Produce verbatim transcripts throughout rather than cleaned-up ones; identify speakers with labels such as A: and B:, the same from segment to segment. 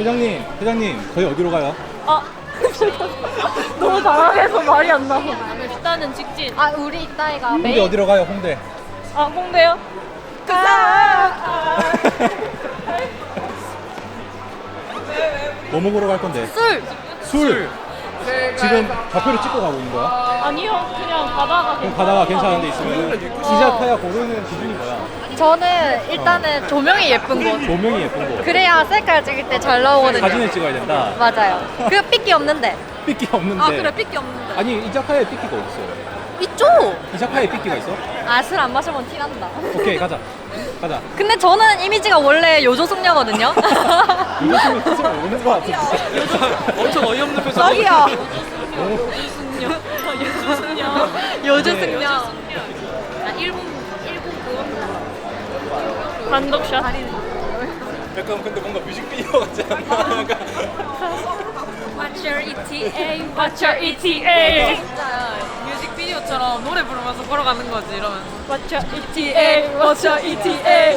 A: 회장님, 회장님, 저희 어디로 가요?
B: 아 너무 당황해서 말이 안 나와. 일단은 직진.
C: 아 우리 이따이가
A: 홍대
C: 메인
A: 어디로 가요? 홍대.
B: 아 홍대요? 아, 아.
A: 뭐 먹으러 갈 건데?
B: 술.
A: 술. 지금 좌표를 찍고 가고 있는 거야?
B: 아니요, 그냥 가다가
A: 그럼 가다가 괜찮은 데 있으면 이자카야 고르는 기준이 뭐야?
C: 저는 일단은 조명이 예쁜 곳
A: 조명이 예쁜 거.
C: 그래야 셀카 찍을 때 잘 나오거든요.
A: 사진을 찍어야 된다.
C: 맞아요. 그 삐끼 없는데
A: 삐끼 없는데.
B: 아 그래 삐끼 없는데.
A: 아니 이자카야에 삐끼가 어딨어?
C: 있죠?
A: 이자카야에 삐끼가 있어?
C: 아 술 안 마셔본 티 난다.
A: 오케이 가자. 가자.
C: 근데 저는 이미지가 원래 요조숙녀거든요.
A: 이것은 뜻을 모르는 거 같은데.
D: 엄청 어이없는 표정.
C: 저기요.
B: 요조숙녀. 요조숙녀.
C: 요조숙녀.
B: 아 일본 일본 그거. 단독샷.
A: 약간 근데 뭔가 뮤직비디오 같지 않나?
B: What's your E T A? What's your E T A?
E: 진짜 뮤직비디오처럼 노래 부르면서 걸어가는 거지 이러면.
B: What's your E T A? What's your E T A?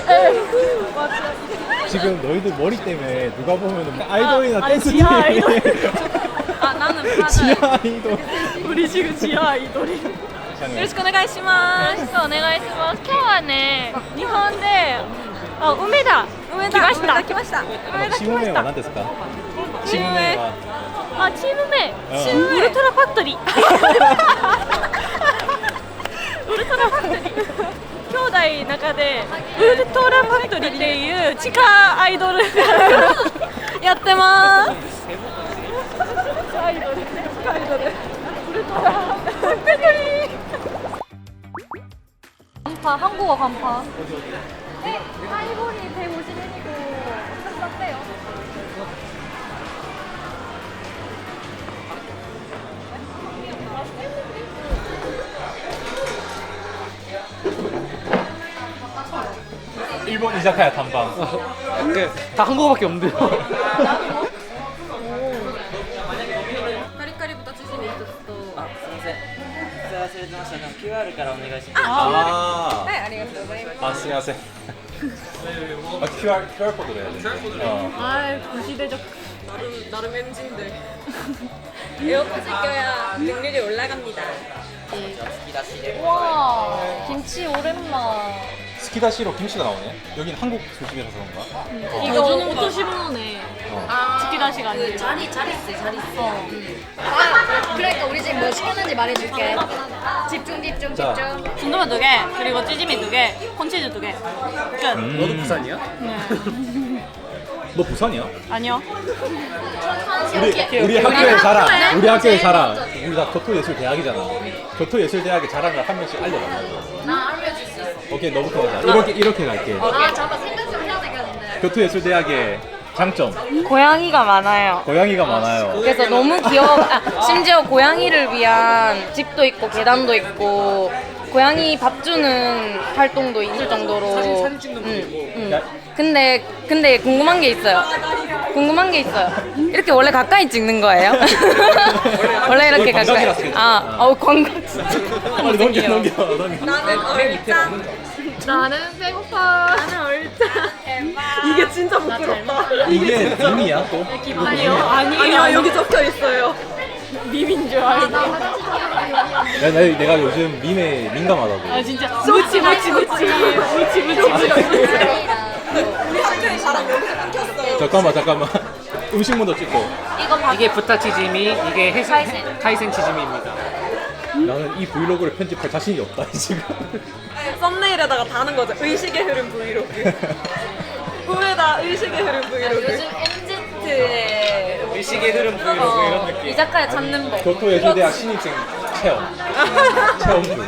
A: 지금 너희들 머리 때문에 누가 보면 아이돌이나
B: 아니,
A: 댄스
B: 지하
A: 팀.
B: 아이돌.
E: 아 나는 맞아.
A: 지하 아이돌.
B: 우리 지금 지하 아이돌이. よろしくお願いします。よろしくお願いします。今日はね、日本で、あ、梅田、梅田来ました。来ました。梅田来ま
A: チーム名
B: し
A: は
B: た
A: 何。ですか？チーム名は
B: あ、チーム名、
A: うん
B: チームウルトラファクトリー。ウルトラファクトリー。兄弟の中でウルトラファクトリーっていう地下アイドルやってます。アイドル、地下アイドル。ウルトラファクトリー。
C: 간파 한국어 간파. 네, 하이볼이 백오십 엔이고 좀 쌌대요.
A: 일본 이자카야 탐방.
D: 네, 다 한국어밖에 없는데요.
E: カリカリ豚チヂミ一つと。
F: あ、すみません。それ忘れてました。キューアール からお願いします。
A: 아,
E: はいありがとうございます。
A: 아, 안녕하세요. 아, 큐알 큐알 코드로 해야 돼. 어.
B: 아, 구시대적.
E: 나름 나름 엔진데. 에어팟을 껴야 능률이 올라갑니다.
C: 와, 김치 오랜만.
A: 스키다시로 김치가 나오네. 여긴 한국 소식이라서 그런가?
B: 이거 오토시모노네.
A: 어.
B: 치키다시가 아니고.
E: 자리 자리 있어 자리 있어.
C: 아, 그러니까 우리 지금 뭐 시켰는지 말해줄게. 집중, 집중,
A: 자.
C: 집중.
B: 순두부 두 개, 그리고 찌짐이 두 개, 콘치즈 두 개. 끝.
A: 음.
D: 너도 부산이야?
B: 네.
A: 너 부산이야?
B: 아니요.
A: 우리 우리 학교의 자랑. 우리 학교의 자랑. 우리 다 교토예술대학이잖아. 교토예술대학의 자랑을 한 명씩 알려달라고.
C: 나 알려줄 수 있어.
A: 오케이, 너부터 가자. 이렇게 이렇게 갈게.
C: 아, 잠깐 생각 좀 해야 되겠는데.
A: 교토예술대학의 장점.
G: 고양이가 많아요.
A: 고양이가 많아요.
G: 그래서 너무 귀여워. 아, 심지어 고양이를 위한 집도 있고 계단도 있고 고양이 밥 주는 활동도 있을 정도로.
D: 사진 사진 찍는 거
G: 응,
D: 있고.
G: 응.
A: 야,
G: 근데 근데 궁금한 게 있어요. 궁금한 게 있어요. 이렇게 원래 가까이 찍는 거예요? 원래 이렇게
A: 거의
G: 가까이.
A: 광각이라서 괜찮아.
G: 아, 어 광각 진짜.
A: 빨리 넘겨 넘겨 넘겨.
E: 나는 얼짱.
C: 나는 배고파.
B: 나는 얼짱. 이게 진짜 부끄럽다.
A: 이게 밈이야 또?
B: 아니요, 아니요.
E: 아니요 여기 적혀 있어요.
B: 밈인 줄 알고.
A: 야, 나, 내가 요즘 밈에 민감하다고.
B: 아 진짜. 무치 무치 무치 무치 무치.
E: 우리 학교의 자랑 여기서 끊겼어요.
A: 잠깐만 잠깐만. 음식물도 찍고.
D: 이게 부타 치즈미, 이게 해생 카이센 치즈미입니다.
A: 나는 이 브이로그를 편집할 자신이 없다 지금.
E: 썸네일에다가 다는 거죠. 의식의 흐름 브이로그. 후에다 의식의 흐름 브이로그.
C: 요즘 엠지트의
D: 의식의 흐름 브이로그 이런 느낌.
C: 이자카야 찾는 법.
A: 교토예술대학 신입생 체험. 체험 중.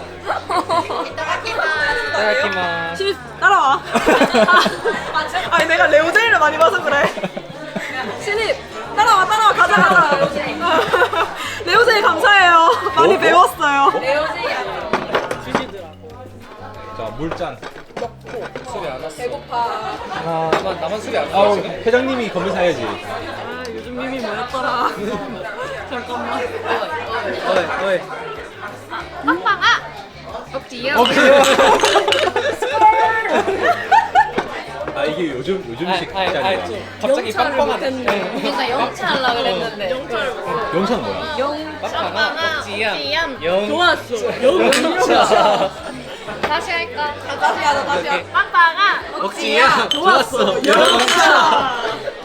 D: 이따다키마스.
E: 신입 따라와. 아니 내가 레오제이를 많이 봐서 그래. 신입 따라와 따라와 가자 가자. 레오제이 감사해요. 많이
A: 뭐?
E: 배웠어요.
A: 자 물잔.
D: 술이 안 왔어.
E: 배고파.
A: 아,
D: 나만 나만 술이 안
A: 아우
D: 왔어. 지금?
A: 회장님이 검사해야지.
B: 아 요즘 밈이 뭐였더라. 잠깐만.
D: 어이 어이.
C: 억지요.
A: 오케이. 아 아 이게 요즘 요즘식 짤이야.
D: 갑자기 빵빵하네.
G: 그러니까 영차 하려고 그랬는데.
A: 영차는 뭐야?
D: 빵빵아, 억지양.
B: 좋았어.
D: 영차.
G: 다시 할까?
E: 다시 하자 다시 하자.
B: 빵빵아.
D: 억지양. 좋았어.
E: 영차.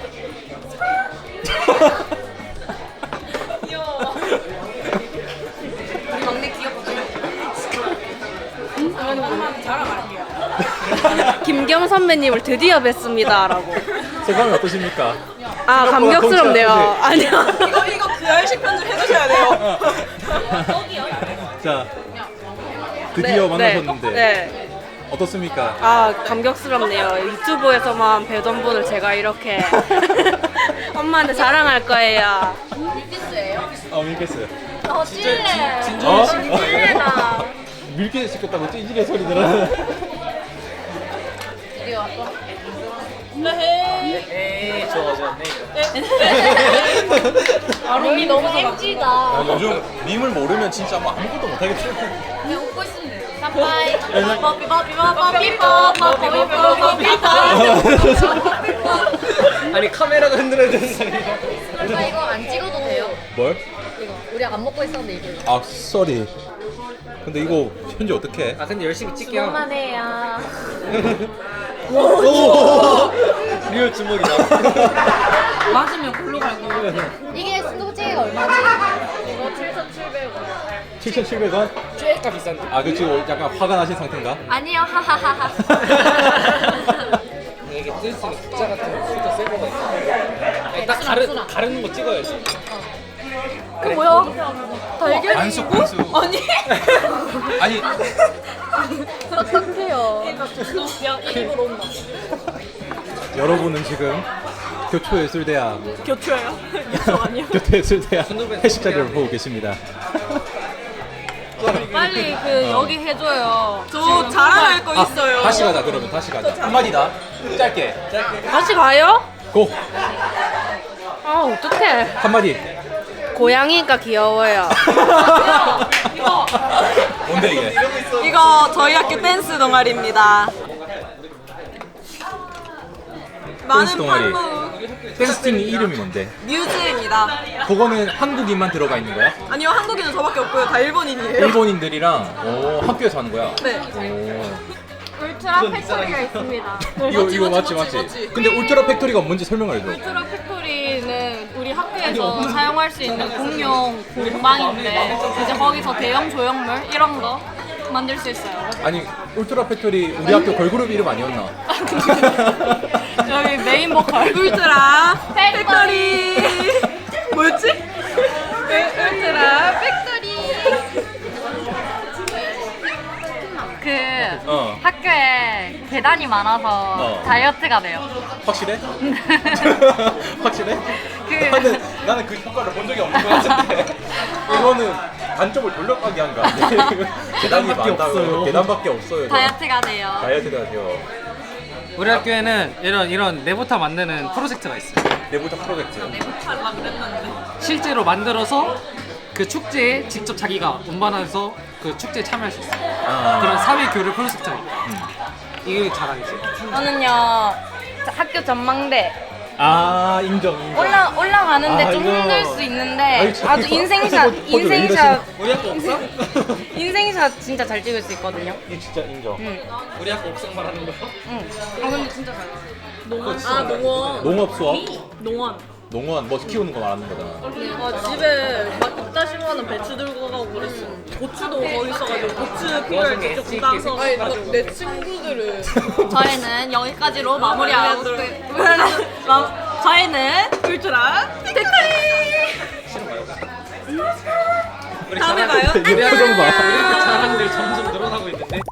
G: 우리 막내 귀엽지? 김경 선배님을 드디어 뵀습니다라고.
A: 소감이 어떠십니까?
G: 아 감격스럽네요. 아니요.
E: 이거 이거 구열식 편집 해주셔야 돼요.
A: 자 드디어
G: 네,
A: 만나셨는데
G: 네.
A: 어떻습니까?
G: 아 감격스럽네요. 유튜브에서만 뵈던 분을 제가 이렇게 엄마한테 자랑할 거예요.
A: 어 밀겠어요.
C: 어, 찔레.
A: 어?
G: 찔레다.
A: 밀게 시켰다고 찌질의 소리 들어.
F: 에이 좋아졌네.
C: 여기 너무 엠지다.
A: 아, 요즘 밈을 모르면 진짜 뭐 아무것도 못하겠어.
C: 그냥 웃고 있으면 돼요. 깜빠이. 뽀삐뽀삐뽀삐뽀삐뽀삐뽀삐뽀.
D: 아니 카메라가 흔들어야 되는 상황이야.
C: 오빠 이거 안 찍어도 돼요?
A: 뭘?
C: 이거 우리 안 먹고 있었는데 이거.
A: 아 쏘리. 근데 이거 현재 어떻게?
D: 아 근데 열심히 찍게요.
C: 그만해요.
A: 리얼 주먹이다.
G: 맞으면 골로 갈 거예요.
C: 이게 순두부찌개가 얼마지? 이거 칠천칠백 원.
A: 칠천칠백 원?
D: 꽤가 비싼데.
A: 아, 그 지금 약간 화가 나신 상태인가?
C: 아니요, 하하하하.
D: 이게 뜰 수 있는 국자 같은 거 수도 새 거가 있어. 아니, 딱 가르 가르는 거 찍어야지.
E: 그 뭐야? 달걀.
A: 반숙 반숙.
E: 아니.
A: 아니
C: 어떡해요.
E: 입으로 온다.
A: 여러분은 지금 교초예술대학
E: 교초예요? 이거 아니요?
A: 교토예술대학 회식 자리를 보고 계십니다.
G: 빨리 그 여기 해줘요.
E: 저 자랑할 거 있어요.
A: 아, 다시 가자 그러면 다시 가자. 한마디다. 짧게.
G: 다시 가요?
A: 고.
G: 아 어떡해.
A: 한마디.
G: 고양이가 귀여워요.
E: 이거
A: 뭔데 이게?
E: 이거 저희 학교 댄스 동아리입니다. 많은
A: 동아리.
E: 팔로우
A: 댄스팀 이름이 뭔데?
E: 뮤즈입니다.
A: 그거는 한국인만 들어가 있는 거야?
E: 아니요, 한국인은 저밖에 없고요. 다 일본인이에요.
A: 일본인들이랑 오, 학교에서 하는 거야?
E: 네.
A: 오.
C: 울트라 팩토리가 있습니다.
A: 이거
E: 맞지,
A: 이거
E: 맞지,
A: 맞지
E: 맞지,
A: 맞지.
E: 맞지.
A: 근데 울트라 팩토리가 뭔지 설명을 해줘.
G: 울트라 팩토리는 우리 학교에서 사용할 수 있는 공용 공방인데 이제 거기서 대형 조형물 이런 거 만들 수 있어요.
A: 아니 울트라 팩토리 우리 학교 걸그룹 이름 아니었나?
G: 여기 메인 보컬
E: 울트라 팩토리. 뭐였지?
G: 울트라 팩토리.
C: 그
A: 어.
C: 학교에 계단이 많아서
A: 어.
C: 다이어트가 돼요.
A: 확실해? 확실해?
C: 그-
A: 나는 나는 그 효과를 본 적이 없는 것 같은데 이거는 단점을 돌려가게 한 거 아니야? 계단이 많다고 계단밖에 없어요.
C: 다이어트가 돼요.
A: 다이어트가 돼요.
D: 우리 학교에는 이런 이런 내부타 만드는 프로젝트가 있어요.
A: 내부자 프로젝트.
D: 실제로 만들어서 그 축제에 직접 자기가 운반해서 그 축제에 참여할 수 있어요.
A: 아.
D: 그런 사회 교류 프로젝트가 있어요. 이게 자랑이지.
G: 저는요 학교 전망대
A: 아 인정 인정.
G: 올라 올라가는데
A: 아,
G: 좀
A: 이거-
G: 힘들 수 있는데
A: 아니, 저-
G: 아주 인생샷
A: 포즈- 포즈 왜
G: 인생샷
D: 우리 학교 옥상?
G: 인생샷 진짜 잘 찍을 수 있거든요.
A: 이 진짜 인정.
G: 응,
D: 우리 학교 옥상 말하는 거야?
G: 응. 아 근데 진짜 잘 나와요.
E: 아, 농원.
A: 농업 수업?
E: 농원.
A: 농원 뭐 키우는 거 말하는 거잖아.
E: 아, 집에 막 이따 심어는 배추 들고 가고 그랬어. 고추도 거기 있어가지고 고추 피를 직접 따서 가지고. 내 친구들은
B: 저희는 여기까지로 마무리하고 마- 저희는
E: 울트라 팩토리. 다음에 봐요.
A: 이게 표정 봐.
D: 우리 학교 자랑들이 점점 늘어나고 있는데.